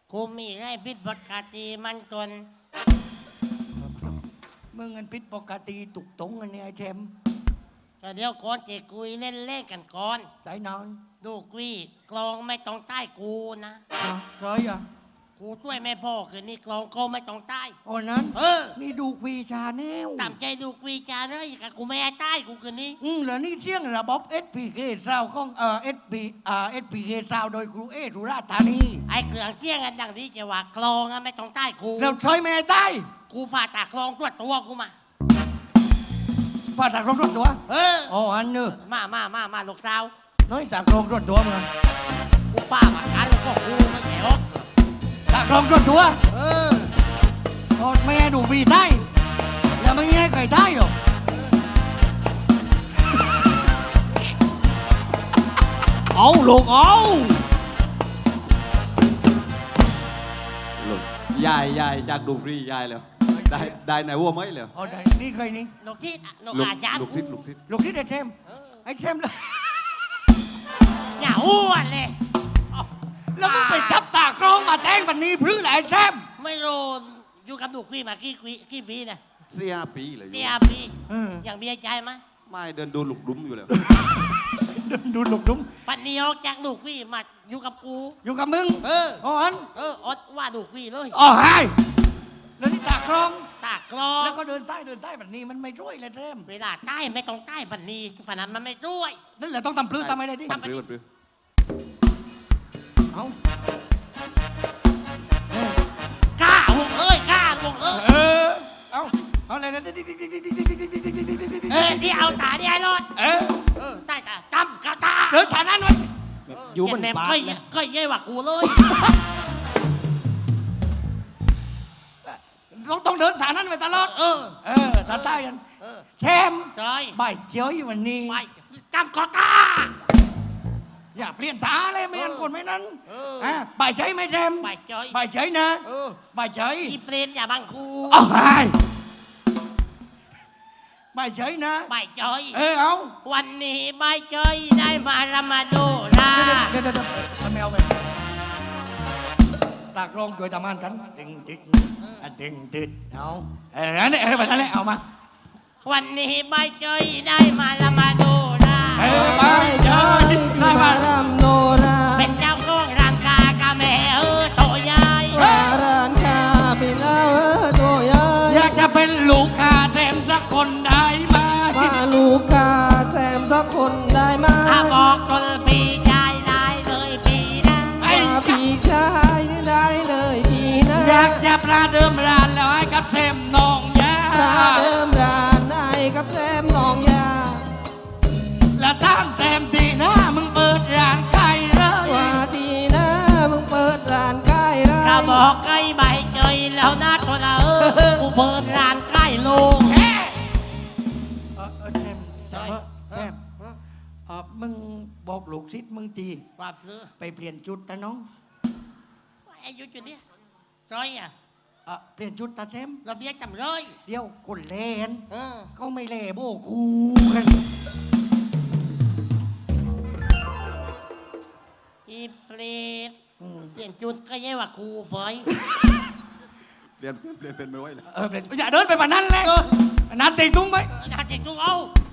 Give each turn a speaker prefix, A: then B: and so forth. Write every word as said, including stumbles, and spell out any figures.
A: กูมีไรฟิตปกติมันจน
B: มึงเงินพิษปกติตุกตงอันนี้ไอ้แชมป์
A: ก็เดี๋ยวก่อนจะคุยเล่นเล่นกันก่อน
B: สายนอน
A: ดูกุยกลองไม่ต้องใต้กูนะ
B: อ่ะร้อยอ่ะ
A: กูช่วยไม่พอคืนนี้กลองก็ไม่ต้องใต้
B: โอ้นั้น
A: เออ
B: นี่ดูควีชาแนล
A: ตามใจดูกุยจาเลยกับกูไม่ให้ใต้กูคืนนี้
B: อืมแล้วนี่เชี่ยงระบบ เอส พี เค ซาวของเอ่อ เอส พี อ่า เอส พี เค ซาวโดยครูเอสุราษฎร์ธานี
A: ไอ้เครื่องเชี่ยงกันดังนี้จะว่ากลองไม่ต้องใต้กู
B: เราใช้ไม่ให้ใต้
A: กูฝ่าตากลองตัวตัวกูมา
B: ฝ่าตากลองรถตัว
A: เออ
B: อ๋ออันเนอะ
A: มามามามาลูกสาว
B: น้อยตากลองรถตัวมึง
A: กูป้ามากันแล้วก็กูไม่แข็ง
B: ตากลองรถตัวเออโอ้ไม่ให้ดูวีใต้แล้วไม่ให้ใครใต้หรอก
C: เอาลูกเอา
D: ลูกยายยายจากดูฟรียายแล้วได้ได้ไหนวัวไหมแล้ว
B: อ๋อได้นี่เคยนี่
A: ลูกทิศลูก
D: ลูก
A: อาจารย์
D: ลูกทิศลูกทิศ
B: ลูกทิศไอ้แชมไอ้แชมเลย
A: อย่าอ้วนเลย
B: แล้วมึงไปจับตากลองมาแทงบันนี้พื้นไอ้แชม
A: ไม่รู้อยู่กับลูกพี่มากี่กี่ปีเนี่ย
D: เสียปีเลย
A: เสียปีอย่างมีใจไหม
D: ไม่เดินดูหลุกดุ้มอยู่แล้ว
B: ดูหลุกดุ้ม
A: ปันนี้ออกจากลูกพี่มาอยู่กับกู
B: อยู่กับมึง
A: เออ
B: อ๋ออัน
A: เอออดว่าลูกพี่เลย
B: อ๋อไฮแล้วนี่ตากลอง
A: ตากลอง
B: แล้วก็เดินใต้เดินใต้แบบนี้มันไม่ช่วยเลยแชม
A: เวลาใต้ไม่ต้องใต้ฝันนี้ฝันนั้นมันไม่ช่วย
B: นั่นแหละต้องทำพลื้ทำอะไรดิ
D: ทำพลื้ทำพลื้
B: เอา
A: กล้าวงเอ้ยกล้าวงเอ้ย
B: เออเอาเอาอะไรนะ
A: เออที่เอาตาที่ไอ้รถ
B: เออ
A: เออใต้ตาจำกับตา
B: เดินฐานนั้นไว้
C: อยู่บนปาก
A: นะก็เย่กว่ากูเลย
B: ต้องต้องเดินฐานนั้นไปตลอด
A: เออ
B: เออตาใต้กันแชม
A: ใช่
B: ใบเจียวอยู่วันนี้
A: ใบจำกับตา
B: อย่าเปลี่ยนตาเลยไม่งั้นคนไม่นั้นอ่ะใบใจไหมแชม
A: ใบใจ
B: ใบใจนะใบใจ
A: อีเฟรนอย่าบังคู
B: อ๋อไฮใบใจนะ
A: ใบใจ
B: เออเอา
A: วันนี้ใบใจได้มาละมาดูลา
B: เดี๋ยวเดี๋ยวเดี๋ยวทำไมเอาไปตากลงช่วยทำงานกันติงติงติงติงเอาเออนั่นแหละเออแบบนั้นแหละเอามา
A: วันนี้ใบใจได้มาละมาดูลา
B: เออใบใจได้มาละมาดูลา
A: เป็นเจ้าของร้านกากาแม่เออโตใหญ่
C: ร้านกาเป็นเออโตใหญ่
B: อยากจะเป็นลูกค้าแซมสักคนได้ไหม
C: ว่าลูกค้าแซมสักคนได้ไหม
A: บอกคนปีชายได้เลยปีนะ
C: ว่าปีชายได้เลยปีนะ
B: อยากจะประเดิมร้านแล้วให้กับแซมน้องยา
C: ประเดิมร้านให้กับแซมน้องยา
B: และตามแซมดีนะมึงเปิดร้านใกล้เลย
C: ว่าดีนะมึงเปิดร้านใกล้เลย
A: ก็บอกใกล้ใบเจยแล้วนะตัวละเออกูเปิดร้านใกล้ลุง
B: เออเออแซมแซมแซมเออมึงบอกลูกศิษย์มึงตี
A: ว่าซื้อ
B: ไปเปลี่ยนจุดตาน้อง
A: ไอ้ยุจุดเนี้ยซอยอ่ะ
B: เออเปลี่ยนจุดตาแซม
A: เราเบี้ยจำเลย
B: เดี๋ยวคนเล่นเขาไม่เล่โบกูกัน
A: อีเฟรดเปลี่ยนจุดก็แย่ว่ากูฝอย
D: เปลี่ยนเปลี่ยนเป็นไม่ไหวเลย
B: เออเปลี่ยนอย่าเดินไปแบบนั้นเลยนัดติงตุ้งไป
A: นัดติงตุ้งเอา